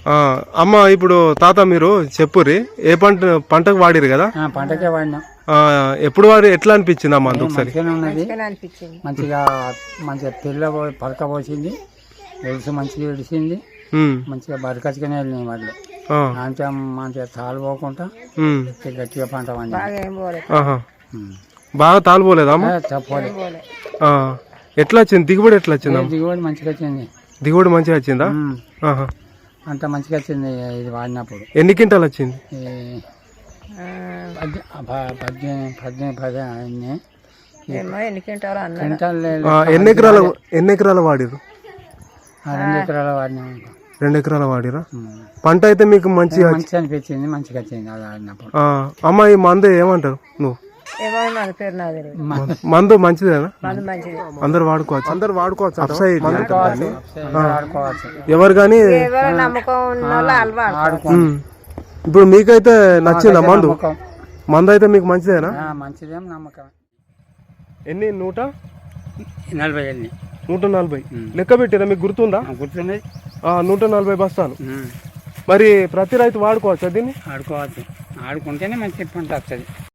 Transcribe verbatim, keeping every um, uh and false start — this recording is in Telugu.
అమ్మ ఇప్పుడు తాత మీరు చెప్పురి ఏ పంట పంటకు వాడిరు కదా? పంటకే వాడినా. ఎప్పుడు వాడి ఎట్లా అనిపించింది అమ్మ? ఒకసారి ఉన్నది మంచిగా మంచిగా తెల్ల పలక పోసింది, వెలుసు మంచిగా విడిచింది, మంచిగా బరకచ్చుగానే వెళ్ళినాయి వాళ్ళు. అంటే మంచిగా తాలు పోకుండా గట్టిగా పంట పండి బాగా తాలిపోలేదా అమ్మ? తప్పలే. ఎట్లా వచ్చింది దిగుబడి? ఎట్లా వచ్చింది? దిగుబడి మంచిగా వచ్చింది. దిగుబడి మంచిగా వచ్చిందా? అంత మంచిగా వచ్చింది ఇది వాడినప్పుడు. ఎన్ని క్వింటాలు వచ్చింది? పద్దెనిమిది పద్దెనిమిది పది అన్నీ. ఎన్ని ఎకరాలు ఎన్ని ఎకరాలు వాడిరు? రెండు ఎకరాలు వాడినా. రెండు ఎకరాలు వాడిరా? పంట అయితే మీకు మంచిగా మంచిగా అనిపించింది, మంచిగా వచ్చింది అది ఆడినప్పుడు. అమ్మ ఈ మందు ఏమంటారు నువ్వు? మందు మంచిదేనా? అందరు వాడుకోవచ్చు, అందరు వాడుకోవచ్చు. ఎవరు కానీ ఇప్పుడు మీకైతే నచ్చిందా మందు? మందు అయితే మీకు మంచిదేనా? మంచిదేం నమ్మకం. ఎన్ని? నూట నలభై ఎన్ని నూట నలభై లెక్క పెట్టిరా మీకు? గుర్తుందా? గుర్తుంది. నూట నలభై బస్తాలు. మరి ప్రతి రైతు వాడుకోవచ్చా దీన్ని? ఆడుకోవచ్చు, ఆడుకుంటేనే మంచి పంట వస్తుంది.